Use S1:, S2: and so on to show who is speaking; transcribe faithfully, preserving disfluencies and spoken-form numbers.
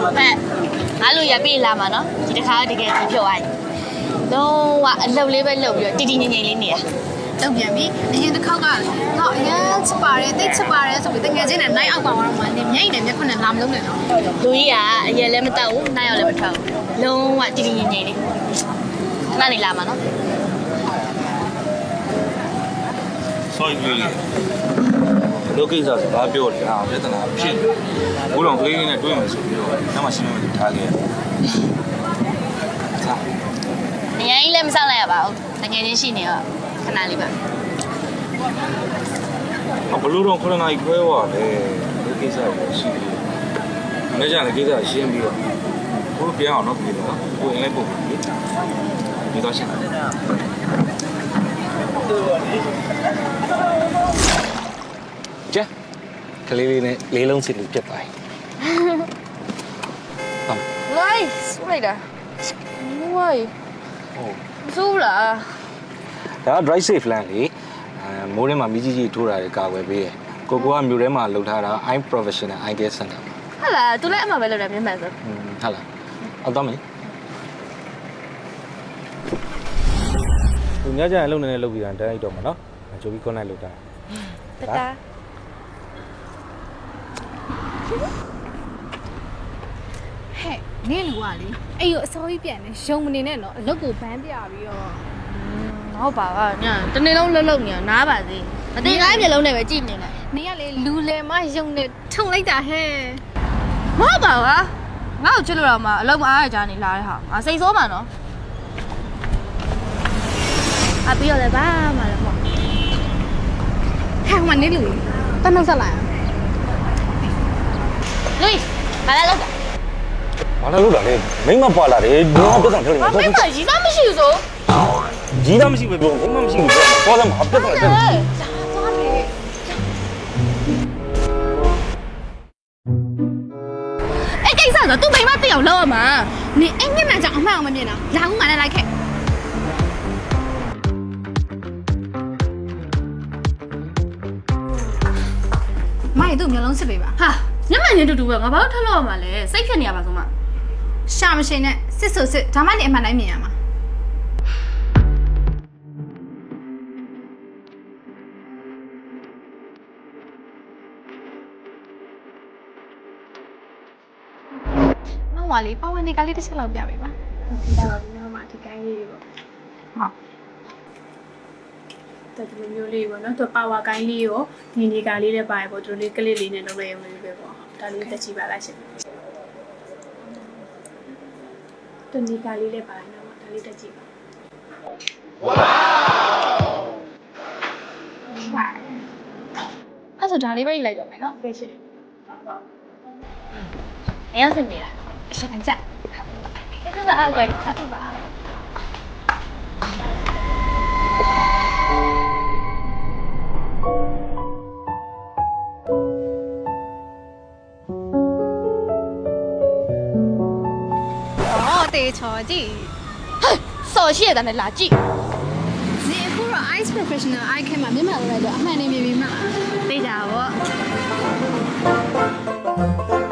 S1: ဟဲ့ငါလိုရပြေးလာမှာနော်ဒီတစ်ခါတကယ်ဖြုတ်လိုက်လုံးဝအလုပ်လေးပဲလုပ်ပြီးတော့တီတီငိမ့်ငိမ့်လေးနေရ
S2: တုံပြန်ပြီအရင်တစ်ခေါက်ကတော့အရင်ချပါတယ်တိတ်ချပါတယ်ဆိုပြီးတကယ်ချင်းနဲ့နိုင်အောက်ပါတော့မှနေမြိတ်နေမျက်ခွန်းနဲ့လာမလုံးနဲ့နော်
S1: လူကြီးကအရင်လည်းမတောက်ဘူးနိုင်ရောက်လည်းမထောက်ဘူးလုံးဝတီတီငိမ့်ငိမ့်လေးခဏနေလာမှာနော်
S3: sorry လေးလောကိစ္စစကားပြောတယ်ဟာပြဿနာဖြစ်ဘိုးတော်ကလေးလေးနဲ့တွေ့မယ်ဆိုပြီးတော့နောက်မှရှင်းမလို့ထားခဲ့ရတယ်ဟာ
S1: အရင်ကြီးလည်းမဆောက်လိုက်ရပါဘူးတကယ်ချင်းရှိနေတော့ခဏလေးပါ
S3: ဘလို့တော့ခရနာကြီးခွဲသွားတယ်လောကိစ္စကိုရှိတယ်မနေ့ကလည်းကိစ္စရှင်းပြီးတော့ဘိုးပြန်အောင်တော့ပြေတော့ကိုရင်လည်းပုံပြီဒီတော့ရှင်းတယ်
S4: ကျကလေးလေးနဲ့လေးလုံးစီလို့ပြတ်သွားပြီ
S1: ဟမ်လိုက်စလိုက်တာဝိုင်းဟုတ်ဇူးလား
S4: ဒါက drive safe land လေအဲမိုးထဲမှာမိကြီးကြီးထိုးတာတွေကာကွယ်ပေးတယ်ကိုကိုကမြို့ထဲမှာလှုပ်ထားတာ I'm professional eye care center
S1: ဟာလားသူလည်းအမှပဲလုပ်တယ်မျက်မှန်ဆို
S4: ဟုတ်လားအောက်တော့မင်းသူညကြရင်လုံနေနေလုပ်ပြီးတာတန်းလိုက်တော့မှာနော်ကြိုပြီး connect လုပ်တာ
S1: တတာ
S2: ဟဲ့နင်းလူကလေအဲ့ကိုအစောကြီးပြန်နေရုံမနေနဲ့နော်အလုတ်ကိုဘန်းပြပြီးတော့
S1: ဟုတ်ပါကညတနေ့လုံးလှုပ်လှုပ်နေနားပါစေအသေးတိုင်းမျိုးလုံးနဲ့ပဲကြည့်နေတယ်
S2: နင်းကလေလူလေမရုံနဲ့ထုံလိုက်တာဟဲ့
S1: မဟုတ်ပါဘူးငါ့ကိုချစ်လို့တော့မှအလုံးမအားရကြနေလာတဲ့ဟာငါစိတ်ဆိုးမှနော်အပြီးတော့လည်းဘာမှလည်းမဟုတ်
S2: ဟဲ့မနေလူတန်းနောက်ဆက်လိုက်
S1: လူဘာလဲလောက်တာ
S4: ဘာလဲလို့တာလဲမိမပွာလာတယ်ဒီမှာပြဿနာပြောနေ
S1: တယ်မိမကြီးသားမရှိဘူးဆို
S4: ကြီးသားမရှိဘူးပြောမိမမရှိဘူးပြောသွားတယ်မှာပြဿနာတက်တယ်
S2: အဲ့ကိစ္စဆိုသူ့မိမသိအောင်လုပ်ရမှာနင်အဲ့မျက်နှာကြောင့်အမှန်အောင်မမြင်တာလာဦးငါနဲ့လိုက်ခဲ့မိုင်းတို့မျိုးလုံးစစ်ပေးပါ
S1: ဟာညမှန်ချင်းတူတူပဲငါဘာလို့ထပ်လို့ရမှာလဲစိတ်ခက်နေရပါဆုံးမ
S2: ရှာမရှိနဲ့စစ်ဆိုစစ်ဒါမှနေအမှန်တိုင်းမြင်ရမှာမောင်ဝါလေးပဝန်းနေကလေးတစ်ချက်လောက်ပြပေးပါဒီတော့ဒီနောက်မှာဒီကိုင်းလေးတွေပေါ့ဟုတ်
S5: တော်တော်မျိုးလေးပေါ့နော်သူပါဝါကိုင်းလေးရောဒီနေကလေးလည်းပါတယ်ပေါ့သူတို့လေးကလေးလေးနဲ့လုပ်ရရုံလေးပဲပေါ့ဒါလေးတက်ကြည့်ပါလားရှင်ဒီနေကလေးလည်းပါတယ်နော်ဒါလေးတက်ကြည့်ပါဝေါ
S2: အဲ့ဆိုဒါလေးပဲယူလိုက်တော့မယ်နော်
S5: ကဲရှင်
S1: နေရောက်စနေလား
S2: အစကန်ကြ
S1: အဲ့ဒါအားကွယ်ဆက်ပါ
S2: တေချောကြည့်
S1: ဟဲ့စော်ရှိရတဲ့နဲ့လာကြည့်
S2: ဒီအခုတော့ ice professional eye care မှာမျက်မှန်လောက်လိုက်တော့အမှန်နေမြင်ပြီမလား
S1: သိကြပါဗော